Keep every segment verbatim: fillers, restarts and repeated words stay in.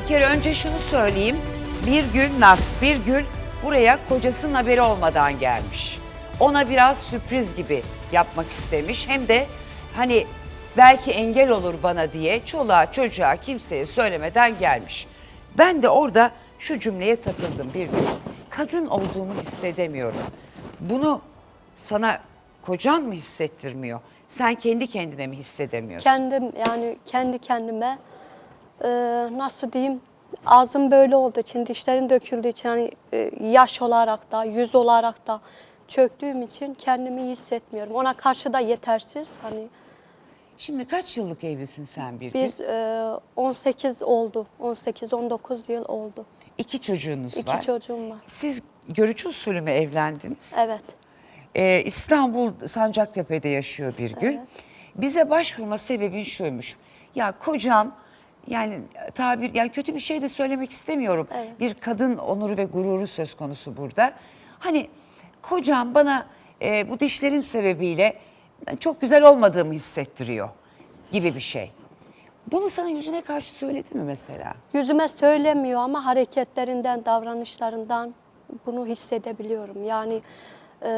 kere önce şunu söyleyeyim. Bir gün Naz, bir gün buraya kocasının haberi olmadan gelmiş. Ona biraz sürpriz gibi yapmak istemiş. Hem de hani belki engel olur bana diye çoluğa çocuğa kimseye söylemeden gelmiş. Ben de orada şu cümleye takıldım bir gün. Kadın olduğumu hissedemiyorum. Bunu sana kocan mı hissettirmiyor? Sen kendi kendine mi hissedemiyorsun? Kendim yani kendi kendime e, nasıl diyeyim ağzım böyle olduğu için dişlerim döküldüğü için hani e, yaş olarak da yüz olarak da çöktüğüm için kendimi iyi hissetmiyorum. Ona karşı da yetersiz. Hani Şimdi kaç yıllık evlisin sen bir gün? biz e, on sekiz oldu. on sekiz on dokuz yıl oldu. İki çocuğunuz İki var. çocuğum var. Siz görücü usulü mü evlendiniz? Evet. Ee, İstanbul Sancaktepe'de yaşıyor bir gün. Evet. Bize başvurma sebebin şuymuş. Ya kocam yani tabir yani kötü bir şey de söylemek istemiyorum. Evet. Bir kadın onuru ve gururu söz konusu burada. Hani kocam bana e, bu dişlerim sebebiyle çok güzel olmadığımı hissettiriyor gibi bir şey. Bunu sana yüzüne karşı söyledi mi mesela? Yüzüme söylemiyor ama hareketlerinden, davranışlarından bunu hissedebiliyorum. Yani e,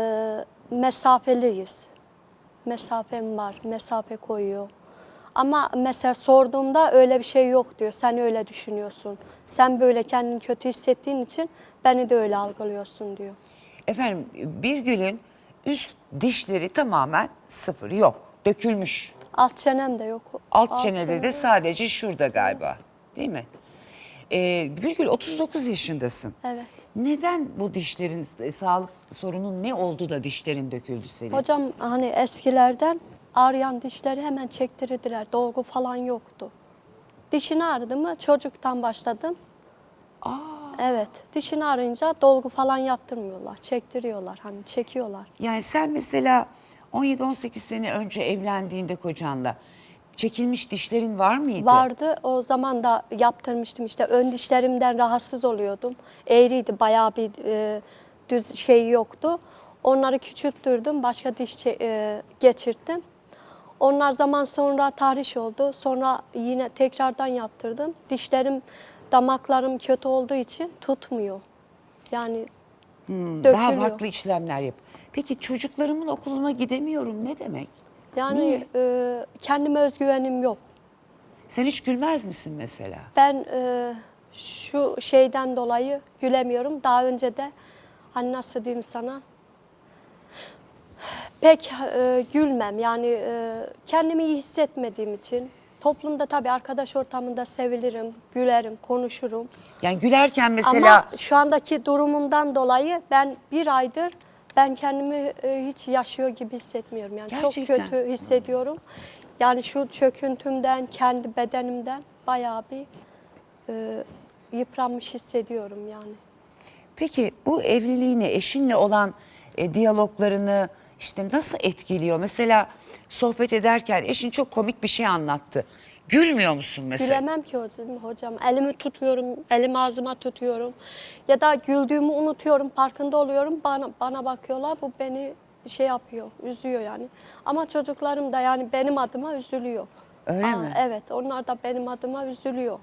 mesafeliyiz. Mesafem var, mesafe koyuyor. Ama mesela sorduğumda öyle bir şey yok diyor. Sen öyle düşünüyorsun. Sen böyle kendini kötü hissettiğin için beni de öyle algılıyorsun diyor. Efendim Birgül'ün üst dişleri tamamen sıfır yok. Dökülmüş. Alt çenem de yok. Alt çenede çenem de yok. sadece şurada galiba. Değil mi? Ee, Birgül otuz dokuz yaşındasın. Evet. Neden bu dişlerin e, sağlık sorunun ne oldu da dişlerin döküldü senin? Hocam hani eskilerden ağrıyan dişleri hemen çektirdiler. Dolgu falan yoktu. Dişini ağrıdı mı çocuktan başladım. Aa, Evet. Dişini ağrıyınca dolgu falan yaptırmıyorlar. Çektiriyorlar. Hani çekiyorlar. yani sen mesela on yedi on sekiz sene önce evlendiğinde kocanla çekilmiş dişlerin var mıydı? Vardı. O zaman da yaptırmıştım işte. Ön dişlerimden rahatsız oluyordum. Eğriydi. Bayağı bir e, düz şey yoktu. Onları küçülttürdüm. Başka diş çe- e, geçirttim. Onlar zaman sonra tahriş oldu. Sonra yine tekrardan yaptırdım. Dişlerim, damaklarım kötü olduğu için tutmuyor. Yani Hmm, dökülüyor. daha farklı işlemler yap. Peki çocuklarımın okuluna gidemiyorum ne demek? Yani Niye? e, kendime özgüvenim yok. Sen hiç gülmez misin mesela? Ben e, şu şeyden dolayı gülemiyorum. Daha önce de hani nasıl diyeyim sana pek e, gülmem. Yani e, kendimi iyi hissetmediğim için toplumda tabii arkadaş ortamında sevilirim, gülerim, konuşurum. Yani gülerken mesela... Ama şu andaki durumumdan dolayı ben bir aydır ben kendimi e, hiç yaşıyor gibi hissetmiyorum. Yani Gerçekten. çok kötü hissediyorum. Yani şu çöküntümden, kendi bedenimden bayağı bir e, yıpranmış hissediyorum yani. Peki bu evliliğini, eşinle olan e, diyaloglarını işte nasıl etkiliyor? Mesela sohbet ederken eşin çok komik bir şey anlattı. Gülmüyor musun mesela? Gülemem ki hocam, hocam. Elimi tutuyorum, elimi ağzıma tutuyorum. Ya da güldüğümü unutuyorum, farkında oluyorum. Bana, bana bakıyorlar, bu beni şey yapıyor, üzüyor yani. Ama çocuklarım da yani benim adıma üzülüyor. Öyle Aa, mi? Evet, onlar da benim adıma üzülüyor.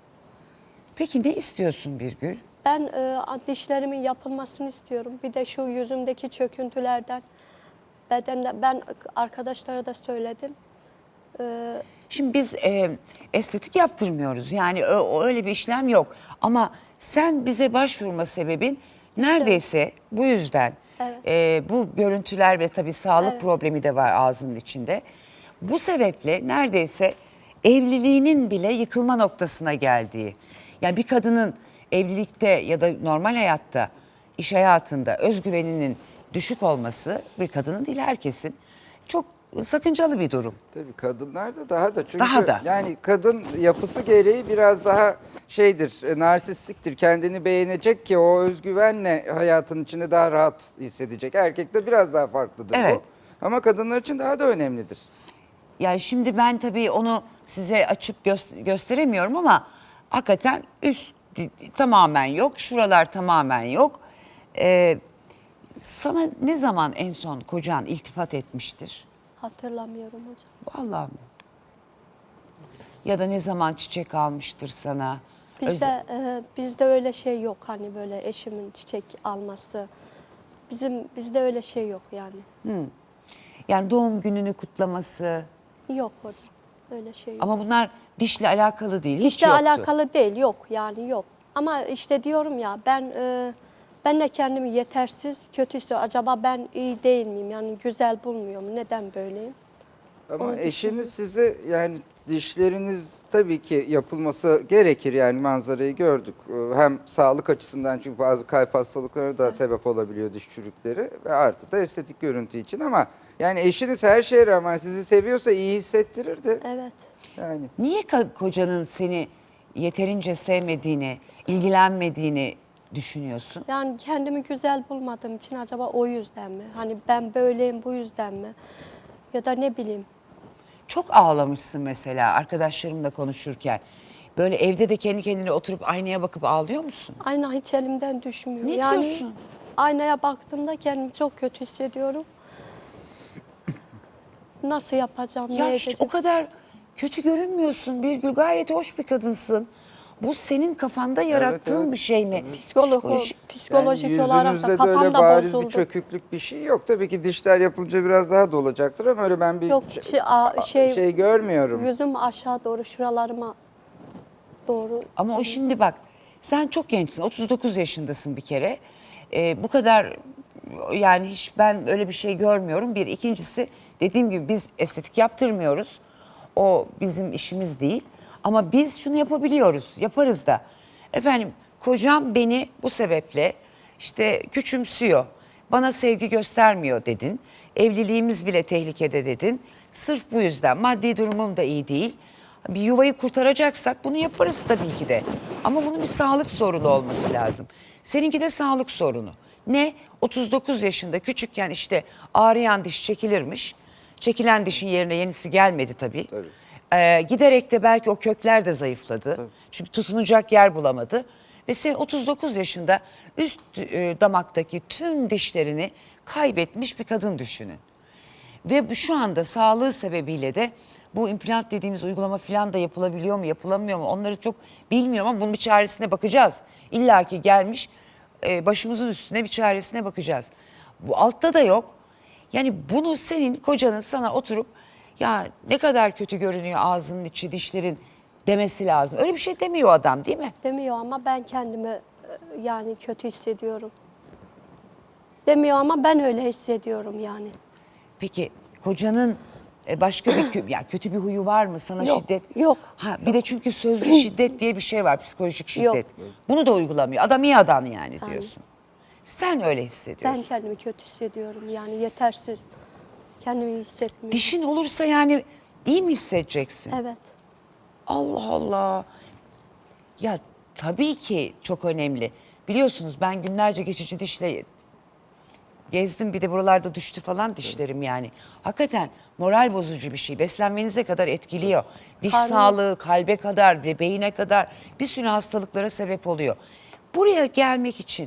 Peki ne istiyorsun Birgül? Ben e, dişlerimin yapılmasını istiyorum. Bir de şu yüzümdeki çöküntülerden, bedende, ben arkadaşlara da söyledim. E, Şimdi biz e, estetik yaptırmıyoruz. Yani ö- o- öyle bir işlem yok. Ama sen bize başvurma sebebin neredeyse bu yüzden. Evet. E, bu görüntüler ve tabii sağlık Evet. problemi de var ağzının içinde. Bu sebeple neredeyse evliliğinin bile yıkılma noktasına geldiği. Yani bir kadının evlilikte ya da normal hayatta, iş hayatında özgüveninin düşük olması bir kadının değil herkesin çok sakıncalı bir durum. Tabii kadınlarda daha da çünkü Daha da. yani kadın yapısı gereği biraz daha şeydir, e, narsistiktir. Kendini beğenecek ki o özgüvenle hayatın içinde daha rahat hissedecek. Erkekte biraz daha farklıdır Evet. bu. Ama kadınlar için daha da önemlidir. Yani şimdi ben tabii onu size açıp gö- gösteremiyorum ama hakikaten üst di- tamamen yok, şuralar tamamen yok. Ee, sana ne zaman en son kocan iltifat etmiştir? hatırlamıyorum hocam. Vallahi mi? Ya da ne zaman çiçek almıştır sana? Bizde e, bizde öyle şey yok, hani böyle eşimin çiçek alması. Bizim bizde öyle şey yok yani. Yani doğum gününü kutlaması Yok orada. Öyle şey yok. ama bunlar dişle alakalı değil. Hiç İşte yoktu. alakalı değil, yok yani yok. Ama işte diyorum ya, ben e, ben de kendimi yetersiz, kötü hissediyorum. Acaba ben iyi değil miyim? Yani güzel bulmuyorum. Neden böyleyim? Ama Onu eşiniz düşünüyorum. size, yani dişleriniz tabii ki yapılması gerekir, yani manzarayı gördük. Ee, Hem sağlık açısından, çünkü bazı kalp hastalıkları da sebep olabiliyor diş çürükleri, ve artı da estetik görüntü için, ama yani eşiniz her şeye rağmen sizi seviyorsa iyi hissettirirdi. Evet. Yani Niye ka- kocanın seni yeterince sevmediğini, ilgilenmediğini düşünüyorsun? Yani kendimi güzel bulmadığım için acaba o yüzden mi? Hani ben böyleyim bu yüzden mi? Ya da ne bileyim. Çok ağlamışsın mesela arkadaşlarımla konuşurken. Böyle evde de kendi kendine oturup aynaya bakıp ağlıyor musun? Ayna hiç elimden düşmüyor. Ne yani diyorsun? aynaya baktığımda kendimi çok kötü hissediyorum. Nasıl yapacağım, Ya ne hiç edeceğim? o kadar kötü görünmüyorsun Birgül. Gayet hoş bir kadınsın. Bu senin kafanda yarattığın evet. bir şey mi? Psikolog, Psikolojik- psikolojik yani olarak yüzünüzde da de öyle kafam da bariz bir bozuldu. çöküklük bir şey yok. Tabii ki dişler yapılınca biraz daha dolacaktır, ama öyle ben bir Yok ç- çi- a- şey, şey görmüyorum. yüzüm aşağı doğru, şuralarıma doğru. Ama o şimdi bak, sen çok gençsin, otuz dokuz yaşındasın bir kere. Ee, bu kadar, yani hiç ben öyle bir şey görmüyorum. Bir, ikincisi, dediğim gibi biz estetik yaptırmıyoruz. O bizim işimiz değil. Ama biz şunu yapabiliyoruz, yaparız da. Efendim, kocam beni bu sebeple işte küçümsüyor, bana sevgi göstermiyor dedin. Evliliğimiz bile tehlikede dedin. Sırf bu yüzden, maddi durumum da iyi değil. Bir yuvayı kurtaracaksak bunu yaparız tabii ki de. Ama bunun bir sağlık sorunu olması lazım. Seninki de sağlık sorunu. Ne? otuz dokuz yaşında küçükken işte ağrıyan diş çekilirmiş. Çekilen dişin yerine yenisi gelmedi tabii. Tabii. Ee, giderek de belki o kökler de zayıfladı. Çünkü tutunacak yer bulamadı. Ve sen otuz dokuz yaşında üst e, damaktaki tüm dişlerini kaybetmiş bir kadın düşünün. Ve bu şu anda sağlığı sebebiyle de bu implant dediğimiz uygulama falan da yapılabiliyor mu, yapılamıyor mu? Onları çok bilmiyorum ama bunun bir çaresine bakacağız. İlla ki gelmiş, e, başımızın üstüne bir çaresine bakacağız. Bu altta da yok. Yani bunu senin kocanın sana oturup ya ne kadar kötü görünüyor ağzının içi, dişlerin demesi lazım. Öyle bir şey demiyor adam, değil mi? Demiyor ama ben kendimi e, yani kötü hissediyorum. Demiyor ama ben öyle hissediyorum yani. Peki kocanın e, başka bir kö- ya kötü bir huyu var mı sana Yok, şiddet? yok, Ha bir de çünkü sözlü şiddet diye bir şey var, psikolojik şiddet. Yok. Bunu da uygulamıyor. Adam iyi adam yani diyorsun. Sen öyle hissediyorsun. Ben kendimi kötü hissediyorum yani, yetersiz. Kendimi iyi hissetmiyorum. Dişin olursa yani iyi mi hissedeceksin? Evet. Allah Allah. Ya tabii ki çok önemli. Biliyorsunuz ben günlerce geçici dişle gezdim, bir de buralarda düştü falan dişlerim yani. Hakikaten moral bozucu bir şey. Beslenmenize kadar etkiliyor. Diş Karnım- sağlığı, kalbe kadar ve beyine kadar bir sürü hastalıklara sebep oluyor. Buraya gelmek için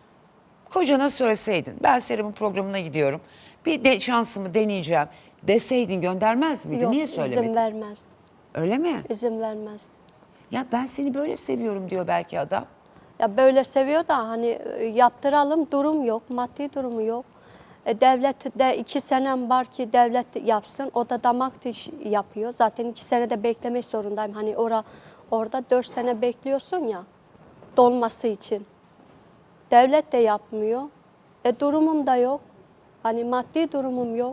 kocana söyleseydin, ben Serap'ın programına gidiyorum, bir de şansımı deneyeceğim deseydin göndermez miydi? Yok, Niye izin söylemedin? vermezdi. Öyle mi? İzin vermezdi. Ya ben seni böyle seviyorum diyor belki adam. Ya böyle seviyor da hani e, yaptıralım, durum yok, maddi durumu yok. E, devlet de iki senem var ki devlet yapsın. O da damak diş yapıyor. Zaten iki sene de beklemek zorundayım. Hani ora, orada dört sene bekliyorsun ya dolması için. Devlet de yapmıyor. E, durumum da yok. Hani maddi durumum yok.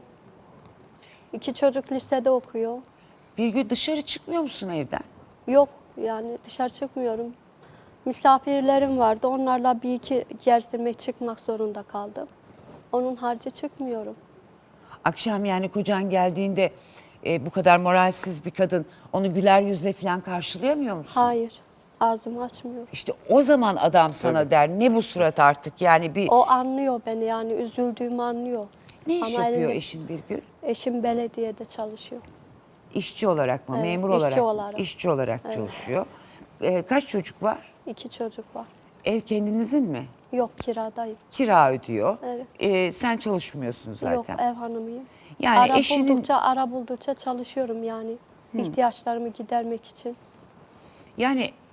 İki çocuk lisede okuyor. Bir gün dışarı çıkmıyor musun evden? Yok yani, dışarı çıkmıyorum. Misafirlerim vardı. Onlarla bir iki gezdirmek, çıkmak zorunda kaldım. Onun harcı çıkmıyorum. Akşam yani kocan geldiğinde e, bu kadar moralsiz bir kadın onu güler yüzle falan karşılayamıyor musun? Hayır. Ağzımı açmıyorum. İşte o zaman adam sana der ne bu surat artık yani bir O anlıyor beni, yani üzüldüğümü anlıyor. ne iş Ama yapıyor elinde- eşin Birgül? Eşim belediyede çalışıyor. İşçi olarak mı? Evet, Memur işçi olarak mı? olarak. İşçi olarak çalışıyor. E, kaç çocuk var? İki çocuk var. Ev kendinizin mi? Yok, kiradayım. Kira ödüyor. Evet. E, sen çalışmıyorsun zaten. Yok, ev hanımıyım. Yani ara eşinin- buldukça, ara buldukça çalışıyorum yani. İhtiyaçlarımı gidermek için. Yani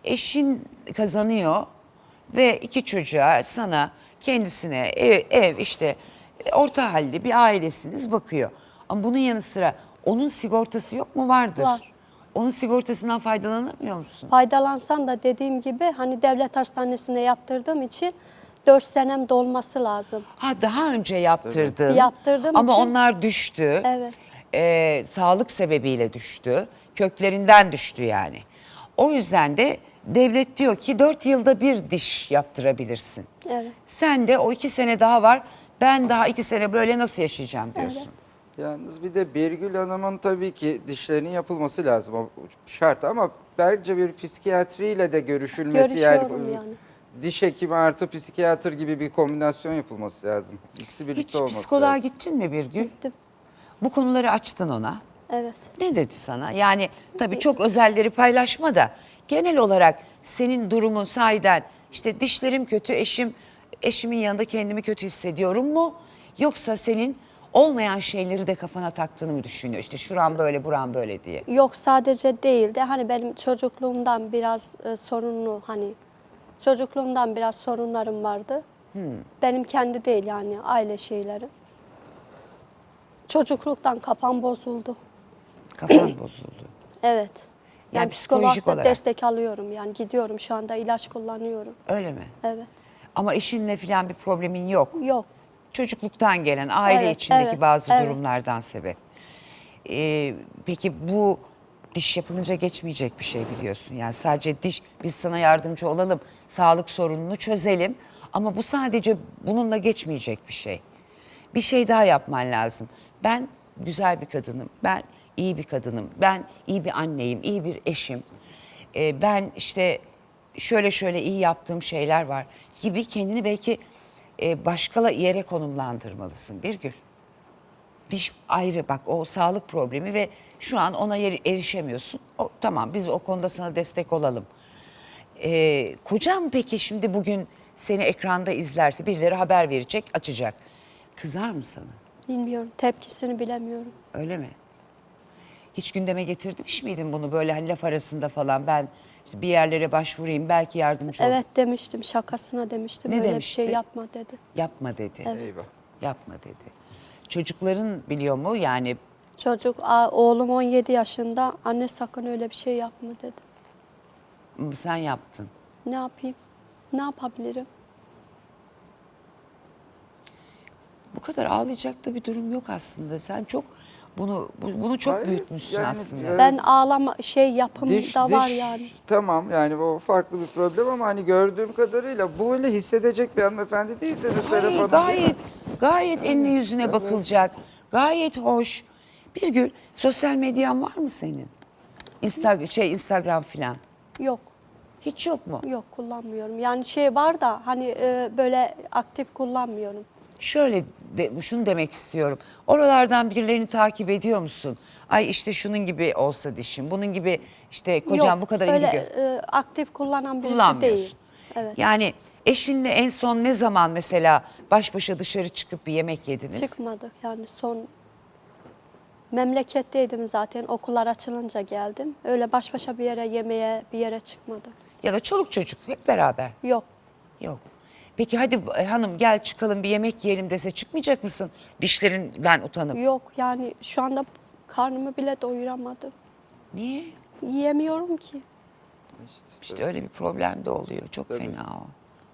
eşin kazanıyor ve iki çocuğa, sana, kendisine ev, ev işte orta halli bir ailesiniz bakıyor. Ama bunun yanı sıra onun sigortası yok mu? Vardır. Var. Onun sigortasından faydalanamıyor musun? Faydalansan da dediğim gibi hani devlet hastanesine yaptırdığım için dört senem dolması lazım. Ha, daha önce yaptırdın. Evet. Yaptırdığım Ama için- onlar düştü. Evet. Ee, sağlık sebebiyle düştü. Köklerinden düştü yani. O yüzden de devlet diyor ki dört yılda bir diş yaptırabilirsin. Evet. Sen de o iki sene daha var. Ben daha iki sene böyle nasıl yaşayacağım diyorsun. Evet. Yalnız bir de Birgül Hanım'ın tabii ki dişlerinin yapılması lazım. O şart ama bence bir psikiyatriyle de görüşülmesi yani, Görüşüyorum yani. diş hekimi artı psikiyatr gibi bir kombinasyon yapılması lazım. İkisi birlikte Hiç olması psikoloğa lazım. gittin mi bir gün? Gittim. Bu konuları açtın ona. Evet. Ne dedi sana? Yani tabii çok özelleri paylaşma da genel olarak senin durumun sahiden işte dişlerim kötü, eşim eşimin yanında kendimi kötü hissediyorum mu? Yoksa senin olmayan şeyleri de kafana taktığını mı düşünüyor? İşte şuram böyle, buram böyle diye. Yok sadece değil de hani benim çocukluğumdan biraz e, sorunlu hani çocukluğumdan biraz sorunlarım vardı. Benim kendi değil yani aile şeyleri. Çocukluktan kafam bozuldu. Kafan bozuldu. Evet. Yani Yani psikolojik psikolojik olarak. destek alıyorum yani gidiyorum şu anda ilaç kullanıyorum. Öyle mi? Evet. Ama eşinle falan bir problemin yok. Yok. Çocukluktan gelen aile Evet, içindeki evet, bazı evet. durumlardan sebep. Ee, peki bu diş yapılınca geçmeyecek bir şey biliyorsun. Yani sadece diş, biz sana yardımcı olalım, sağlık sorununu çözelim. Ama bu sadece bununla geçmeyecek bir şey. Bir şey daha yapman lazım. Ben güzel bir kadınım, ben iyi bir kadınım, ben iyi bir anneyim, iyi bir eşim. Ee, ben işte şöyle şöyle iyi yaptığım şeyler var gibi kendini belki e, başka yere konumlandırmalısın Birgül. Diş ayrı bak, o sağlık problemi ve şu an ona yer- erişemiyorsun. O, tamam, biz o konuda sana destek olalım. Ee, kocam peki şimdi bugün seni ekranda izlerse, birileri haber verecek, açacak. Kızar mı sana? Bilmiyorum. Tepkisini bilemiyorum. Öyle mi? Hiç gündeme getirmiş miydin bunu böyle hani laf arasında falan, ben işte bir yerlere başvurayım belki yardımcı olur. Evet demiştim. Şakasına demiştim. Ne Öyle demişti? bir şey yapma dedi. Yapma dedi. Eyvah. Yapma dedi. Çocukların biliyor mu yani? Çocuk, a- oğlum on yedi yaşında. Anne sakın öyle bir şey yapma dedi. "M, sen yaptın. Ne yapayım? Ne yapabilirim? Bu kadar ağlayacak da bir durum yok aslında. Sen çok bunu bu- bunu çok Hayır, büyütmüşsün yani, aslında. e, Ben ağlama şey yapım Diş, da var diş yani. tamam yani o farklı bir problem ama hani gördüğüm kadarıyla bu öyle hissedecek bir hanımefendi değilseniz Serap Hayır, Hanım. gayet gayet enli yüzüne bakılacak. Gayet hoş. Birgül, sosyal medyan var mı senin? Instagram şey Instagram filan. Yok. Hiç yok mu? Yok kullanmıyorum. Yani şey var da hani e, böyle aktif kullanmıyorum. Şöyle de, şunu demek istiyorum. Oralardan birilerini takip ediyor musun? Ay işte şunun gibi olsa dişim, bunun gibi işte kocam Yok, bu kadar öyle, ilgi gö- e, aktif kullanan birisi kullanmıyorsun. değil. Evet. Yani eşinle en son ne zaman mesela baş başa dışarı çıkıp bir yemek yediniz? Çıkmadık yani son memleketteydim zaten okullar açılınca geldim. Öyle baş başa bir yere yemeğe bir yere çıkmadık. Ya da çoluk çocuk hep beraber. Yok. Yok. Peki hadi e, hanım gel çıkalım bir yemek yiyelim dese çıkmayacak mısın? Dişlerinden utanıp. Yok yani şu anda karnımı bile doyuramadım. Niye? Yiyemiyorum ki. İşte, İşte öyle bir problem de oluyor. Çok Tabii. fena o.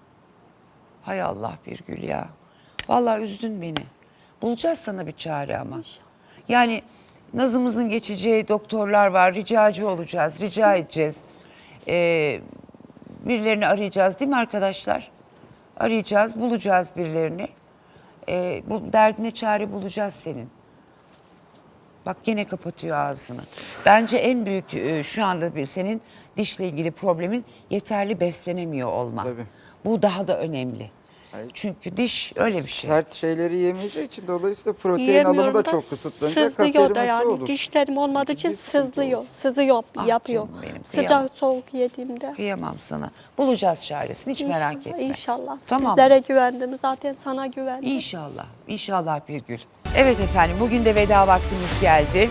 Hay Allah Birgül ya. Vallahi üzdün beni. Bulacağız sana bir çare ama. İnşallah. Yani nazımızın geçeceği doktorlar var. Ricacı olacağız. Rica edeceğiz. Ee, birilerini arayacağız değil mi arkadaşlar? Arayacağız, bulacağız birilerini. Ee, bu derdine çare bulacağız senin. Bak gene kapatıyor ağzını. Bence en büyük e, şu anda bir senin dişle ilgili problemin yeterli beslenemiyor olman. Tabii. Bu daha da önemli. Hayır. Çünkü diş öyle bir şey. Sert şeyleri yemeyeceği için dolayısıyla protein Yiyemiyorum alımı da da çok kısıtlanacak. sızlıyor Kas da erimesi yani. olur. Dişlerim olmadığı için Ciddi sıkıntı sızlıyor. olur. Sızıyor, Ah yapıyor. canım benim, kıyamam. Sıcak soğuk yediğimde. Kıyamam sana. Bulacağız çaresini, hiç merak İnşallah, etme. İnşallah. Tamam. Sizlere güvendim. Zaten sana güvendim. İnşallah. İnşallah Birgül. Evet efendim, bugün de veda vaktimiz geldi.